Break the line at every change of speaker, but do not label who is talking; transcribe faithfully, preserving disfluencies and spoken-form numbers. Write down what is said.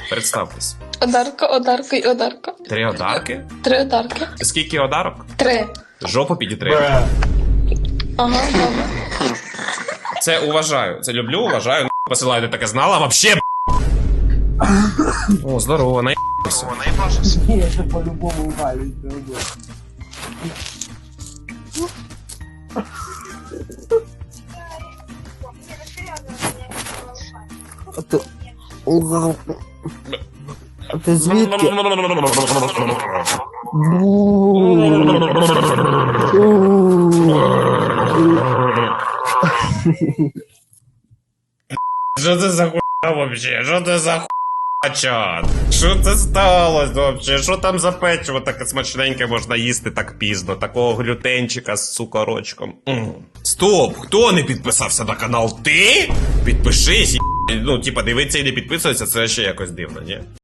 Представтесь.
Одарка, одарка і одарка.
Три одарки?
Три одарки.
Скільки одарок?
Три.
Жопу підітри.
Ага, добре.
Це уважаю. Це люблю, уважаю. Посилаю, ти таке знала вообще. О, здорово, наїбався.
Ні, це по-любому валить. А ти... А ти звідки?
Що це за хуйня вообще? Що це за хуйня, чат? Що це сталося вообще? Що там за печиво таке смачненьке можна їсти так пізно? Такого глютенчика з цукорочком. М. Стоп! Хто не підписався на канал? Ти? Підпишись, і... ну, типа, дивиться і не підписується, це ще якось дивно, ні?